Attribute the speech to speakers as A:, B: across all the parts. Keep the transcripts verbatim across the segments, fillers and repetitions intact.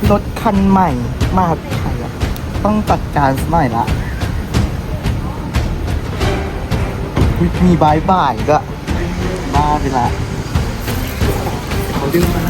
A: รถคันใหม่มาไทยอะต้องจัดการสักหน่อยละอุ๊ยมีบายบายก็บ้าไปละเขาดึงมา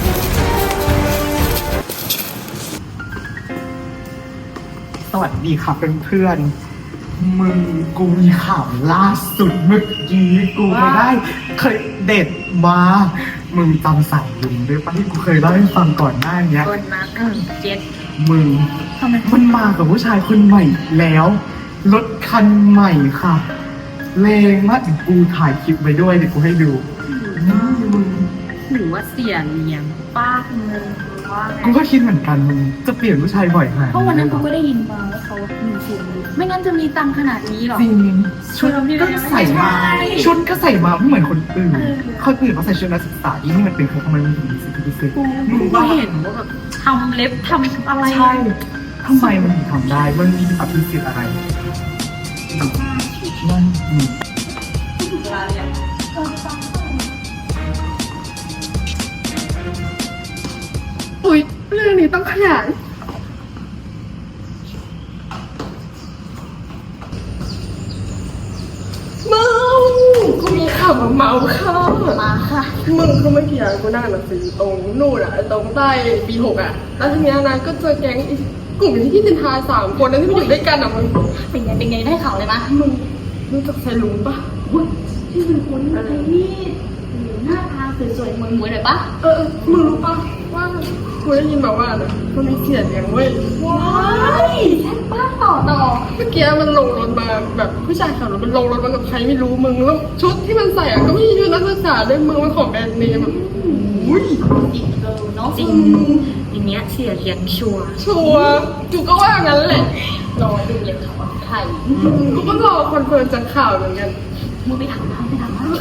A: สวัสดีค่ะเพื่อนๆมึงกูมีข่าวล่าสุดเมื่อกี้กูไปได้เคยเด็ดมามึงจำสายลุงได้ปะที่กูเคยเล่าให้ฟังก่อนหน้านี้
B: คนมาเออเจ็ด
A: มึง
B: ทำไม
A: มันมากับผู้ชายคนใหม่แล้วรถคันใหม่ค่ะแรงมากกูถ่ายคลิปไปด้วยเดี๋ยวกูให้ดูนี่มึง
B: หรือว่าเสียเลี้ยงป้าเงินว่าไง
A: กูก็คิดเหมือนกันมึงจะเปลี่ยนผู้ชายบ่อยขนาด
B: เพราะวันนั้นกูก็ได้ยินมาว่าเขามีเสียงดีไม่งั้นจะมีตังค์ขนาดนี้หรอ
A: จริงชุดก็ใส่มา
B: ใช่
A: ชุดก็ใส่มาไม่เหมือนคนอื่น
B: เออ
A: คนอื่นเขาใส่ชุดนักศึกษาอีนี่มันเป็นเขาทำไมมันถึงมีสิทธิพิเศษ
B: กู
A: มึง
B: ก็
A: ว่า
B: เห็นว่าแบบทำเล็บทำอะไร
A: ใช่ทำไมมันถึงทำได้มันมีอภิสิทธิ์อะไรนั่นอืม
B: อุ้ยเรื่องนี้ต้องขยาย
C: เมากูมีข่าวมาเมาค่ะ
B: มาค่ะ
C: มึงคือเมื่อกี้อะกูนั่งหนังสือตรงนู่นอะตรงใต้ปีหกอะแล้วทีเนี้ยนะก็เจอแก๊งอีกลุ่มที่จินทาสามคนนั้นที่มันอยู่ด้วยกันอะมึง
B: เป็นไงเป็นไงได้ข่าวเลยมะ
C: มึงรู้จักไซลุงปะ
B: อุ้ยที่เป็นคนอะไรนี่หน้าตาสวยๆมวยมวยๆหน่อยปะ
C: เออเออมึงรู้ปะว่ากูได้ยินมาว่านะมันมีเสียเลี้ยงเว้ย
B: ว้ายแซ่บป้าต่อต่อ
C: เมื่อกี้มันลงรถมาแบบผู้ชายขับรถมันลงรถมากับใครไม่รู้มึงแล้วชุดที่มันใส่อะก็ไม่ใช่ชุดนักศึกษาด้วยมึงมันของแบรนด์เนมอะอุ้ย
B: จริงเกินเนาะจริงอย่างเงี้ยเสียเลี้ยงชัวร์
C: ชัวร์กูก็ว่างั้นแหละ
B: รอดูเลยค่ะว่าใคร
C: กูก็รอคอนเฟิร์มจากข่าวเหมือนกัน
B: มึงไปถามเขาไปถามเขา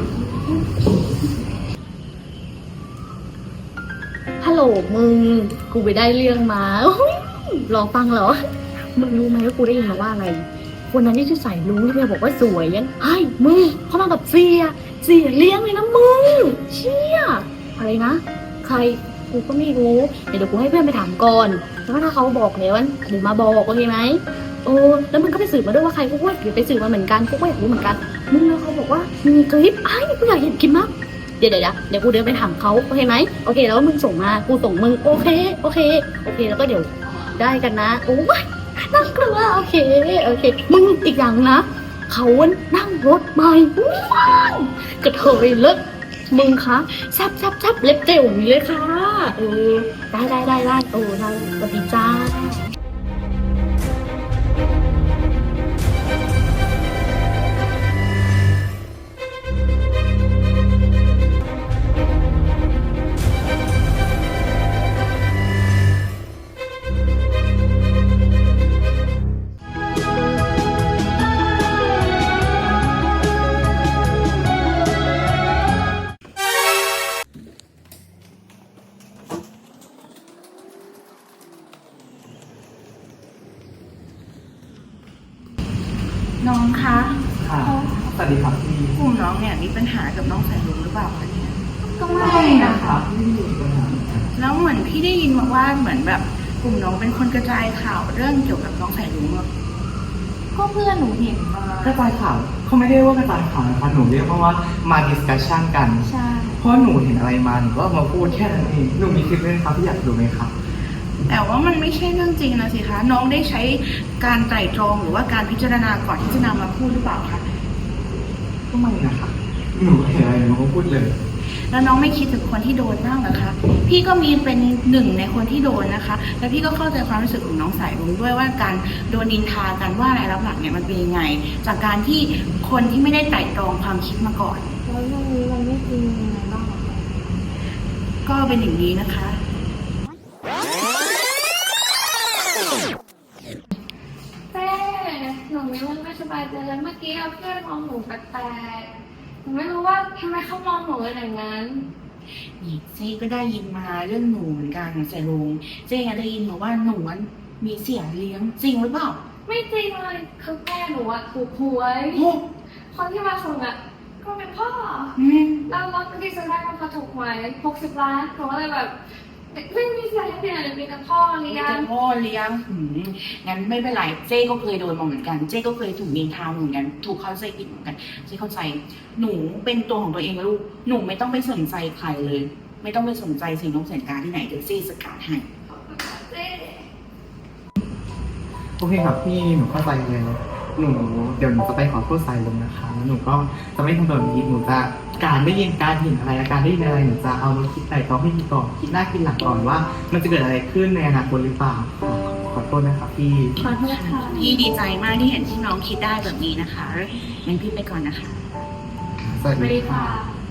B: ฮัลโหลมึง กูไปได้เรื่องมาอุ๊ยรอฟังเหรอ มึงรู้ไหมว่ากูได้ยินมาว่าอะไร คนนั้นที่ชื่อสายรู้ที่เธอบอกว่าสวยยังไอ้มึงเขามากับเสีย เสียเลี้ยงเลยนะมึง เชี่ยอะไรนะ ใคร กูก็ไม่รู้ เดี๋ยวกูให้เพื่อนไปถามก่อน แล้วถ้าเขาบอกแล้วเดี๋ยวมาบอกโอเคไหมโอ้แล้วมึงก็ไปสืบมาด้วยว่าใครกูก็อยากไปสืบมาเหมือนกันกูก็อยากรู้เหมือนกัน มึงแล้วเขาบอกว่ามีคลิปไอ้กูอยากเห็นคลิปมากเดี๋ยวเดี๋ยวเดี๋ยวกูเดินไปถามเขาโอเคไหมโอเคแล้วมึงส่งมากูส่งมึงโอเคโอเคโอเคแล้วก็เดี๋ยวได้กันนะโอ้ยน่ากลัวโอเคโอเคมึงอีกอย่างนะเขานั่งรถใหม่ว้าวกระเทยเลิศมึงคะแซบแซบแซบเล็บเจ๋วอย่างนี้เลยค่ะเออได้ได้ได้ได้โอ้ได้สวัสดีจ้า น้องคะ
A: ค่ะสวัสดีครับพี่
B: กลุ่มน้องเนี่ยมีปัญหากับน้องสายลุงหรือเปล่าคะเนี่ย
A: ก็ไม่นะครับไม่มีปัญหา
B: แล้วเหมือนพี่ได้ยินมาว่าเหมือนแบบกลุ่มน้องเป็นคนกระจายข่าวเรื่องเกี่ยวกับน้องสายลุงอะก็เพื่อนหนูเห็นมาก
A: ระจายข่าวเขาไม่ได้ว่ากระจายข่าวนะคะหนูเรียกว่ามาดิสคัชชันกัน
B: ใช่
A: เพราะหนูเห็นอะไรมาหนูก็เอามาพูดแค่นั้นเองหนูมีคลิปด้วยนะครับที่อยากดูไหมครับ
B: แต่ว่ามันไม่ใช่เรื่องจริงนะสิคะน้องได้ใช้การไตร่ตรองหรือว่าการพิจารณาก่อนที่จะนำมาพูดหรือเปล่าคะ
A: ก็ไม่นะครับหนูเห็นอะไรหนูก็พูดเลย
B: แล้วน้องไม่คิดถึงคนที่โดนบ้างเหรอคะพี่ก็มีเป็นหนึ่งในคนที่โดนนะคะ และพี่ก็เข้าใจความรู้สึกของน้องสายรุ้งด้วยว่าการโดนนินทากันว่าอะไรรับหลังเนี่ยมันเป็นยังไง จากการที่คนที่ไม่ได้ไตร่ตรองความคิดมาก่อน
C: แล้วเรื่องนี้มันไม่จริงยังไงบ้าง
B: ก็เป็นอย่างนี้นะคะ
D: เต้หนูมีเรื่องไม่สบายใจแล้วเมื่อกี้เพื่อนมองหนูแปลกๆหนูไม่รู้ว่าทำไมเขามองหนูเป็นอย่างนั้น
B: นี่เจ๊ก็ได้ยินมาเรื่องหนูเหมือนกันสายรุ้งเจ๊ได้ยินมาว่าหนูมีเสียเลี้ยงจริงหรือเปล่า
D: ไม่จริงเลยคือแม่หนูอะถูกหวย
B: โอ้
D: คนที่มาส่งอะก็เป็นพ่อ
B: อืม
D: แล้วรถที่ซื้อได้มันพอถูกหวยหกสิบล้านหนูก็เลยแบบไม่มีเสียงที่ไหนมีแต่พ่อเลี้ย
E: แต่
D: ง
E: พ่อเลี้ยงหืมงั้นไม่เป็นไรเจ๊ก็เคยโดนมาเหมือนกันเจ๊ก็เคยถูกนินทาเหมือนกันถูกเข้าใจผิดเหมือนกันเจ๊เข้าใจหนูเป็นตัวของตัวเองลูกหนูไม่ต้องไปสนใจใครเลย ไม่ต้องไปสนใจสิ่งน้องสัญการที่ไหนเดี๋ยวเจ๊สกัดให้
D: เจ๊
A: โอเคครับพี่หนูเข้าใจเลยหนูเดี๋ยวหนูจะไปขอโทษสายลมนะคะแล้วหนูก็จะไม่ทำแบบนี้หนูจะการได้ยินการเห็นอะไรการได้ยินอะไรหนูจะเอามาคิดใส่ต้องให้ดีก่อนคิดหน้าคิดหลังก่อนว่า มันจะเกิดอะไรขึ้นในอนาคตหรือเปล่าขอโทษนะครับพี่
D: ขอโทษค่ะ
E: พี่ดีใจมากที่เห็นที่น้องคิดได้แบบนี้นะคะงั้นพี่ไปก่อนนะคะ
A: สวัส
D: สวัส
A: ดี
D: ดี
A: ค่ะ
D: ค่ะ